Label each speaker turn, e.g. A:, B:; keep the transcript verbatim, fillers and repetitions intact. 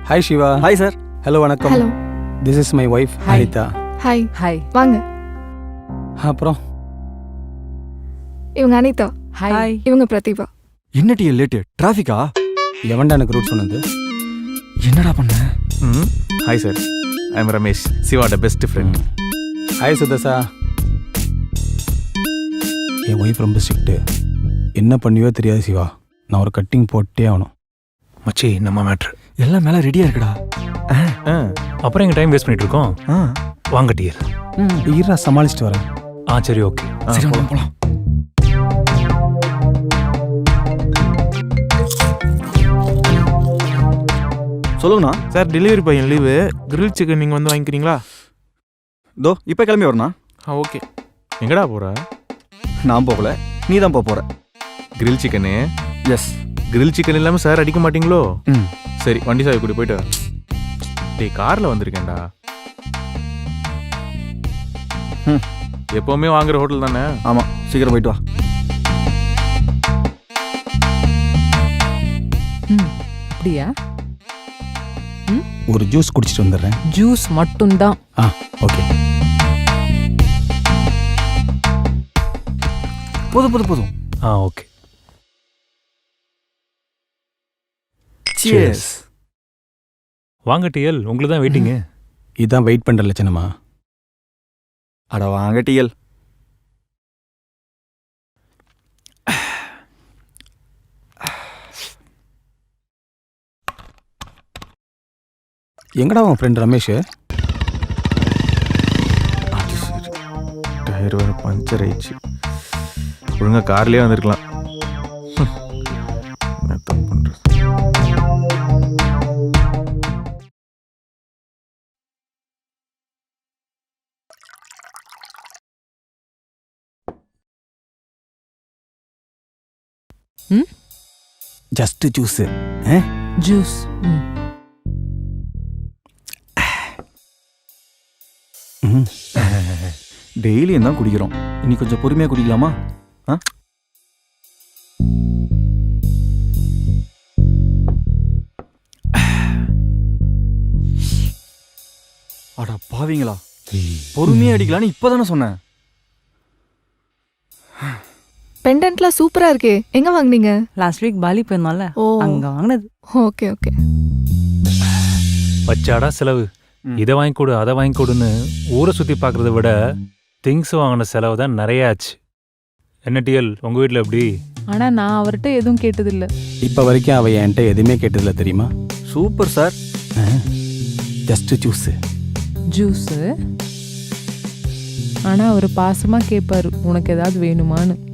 A: Hi Shiva.
B: Hi sir.
A: Hello வணக்கம்.
C: Hello.
A: This is my wife Anitha.
C: Hi.
D: Hi.
C: வாங்க.
A: அப்புறம்
C: இவங்க அனிதா.
D: ஹாய்.
C: இவங்க பிரதிபா.
B: என்ன டிஎல் லேட்டு? டிராஃபிக்கா?
A: எவன்டா எனக்கு ரூட் சொன்னது?
B: என்னடா பண்ண?
E: ம் hi sir, I am Ramesh, சிவாட பெஸ்ட் ஃப்ரெண்ட்.
A: ஹாய் சுதர்சா. என் ஒய்ஃப் ரொம்ப ஸ்ட்ரிக்ட்டு. என்ன பண்ணியோ தெரியாது சிவா. நான் ஒரு கட்டிங் போட்டே ஆகணும்.
E: மச்சி நம்ம மேட்ரு
B: எல்லாம் மேலே ரெடியாக இருக்குடா.
E: ஆ அப்புறம் எங்கள் டைம் வேஸ்ட் பண்ணிட்டு இருக்கோம்.
B: ஆ
E: வாங்க டியர்.
A: ஈரா சமாளிச்சுட்டு வரேன்.
E: ஆ சரி ஓகே.
B: சரி வாங்க போகலாம். சொல்லுங்கண்ணா.
F: சார் டெலிவரி பையன் லீவு, கிரில் சிக்கன் நீங்கள் வந்து வாங்கிக்கிறீங்களா?
B: தோ இப்போ கிளம்பி வரண்ணா.
F: ஆ ஓகே. எங்கடா போகிற?
B: நான் போகல, நீ தான் போக போகிற.
E: Grill chicken?
B: Yes.
E: Grill chicken இல்லாமல் சார் அடிக்க மாட்டீங்களோ?
B: ம்
E: சரி வண்டி சாவி கூட்டி போயிட்டு. டேய் காரில் வந்திருக்கேன்டா.
B: ம்
E: எப்போவுமே வாங்குற ஹோட்டல் தானே?
B: ஆமாம், சீக்கிரம் போயிட்டு வா.
D: ம் அப்படியா?
A: ஒரு ஜூஸ் குடிச்சிட்டு வந்துடுறேன்.
D: ஜூஸ் மட்டும்தான்.
A: ஆ ஓகே.
B: போதும் போதும் போதும்.
E: ஆ ஓகே.
B: சியர்ஸ்.
E: வாங்க டிஎல், உங்களுக்கு தான் வெயிட்டிங்கு.
A: இதான் வெயிட் பண்ணுற லட்சணமா?
B: அட வாங்க டிஎல்.
A: எங்கடா உன் ஃப்ரெண்ட் ரமேஷ்?
E: அது சரி, டயர் வேறு பஞ்சர் ஆயிடுச்சு. ஒழுங்காக கார்லேயே வந்திருக்கலாம். என்ன தப்பு பண்ணுறது?
D: ம்
A: ஜஸ்ட் ஜூஸு.
D: ஜூஸ். ம்
A: ம்
B: டெய்லியும் தான் குடிக்கிறோம், இன்னைக்கு கொஞ்சம் பொறுமையாக குடிக்கலாமா? ஆ அடா பாவீங்களா, பொறுமையாக அடிக்கலான்னு இப்போ தானே சொன்னேன்.
C: பெண்டன்ட்லாம் சூப்பரா இருக்கே. எங்க வாங்குனீங்க?
D: லாஸ்ட் வீக் பாலி போயிருந்தோம்ல,
C: ஓ
D: அங்க வாங்கினது.
C: Okay okay.
E: வச்சாடா செலவு.
B: ம்.
E: இதை வாங்கி கொடு அதை வாங்கி கொடுன்னு ஊரை சுற்றி பார்க்குறத விட திங்ஸ் வாங்கின செலவு தான் நிறைய ஆச்சு. என்ன டிஎல், உங்கள் வீட்டில் எப்படி?
D: ஆனா நான் அவர்கிட்ட எதுவும் கேட்டதில்ல.
A: இப்போ வரைக்கும் அவள் என்கிட்ட எதுவுமே கேட்டதில்ல தெரியுமா?
B: Super sir.
A: Just juice.
D: Juice. ஆனா அவர் பாசமா கேட்பாரு, உனக்கு ஏதாவது வேணுமான்னு.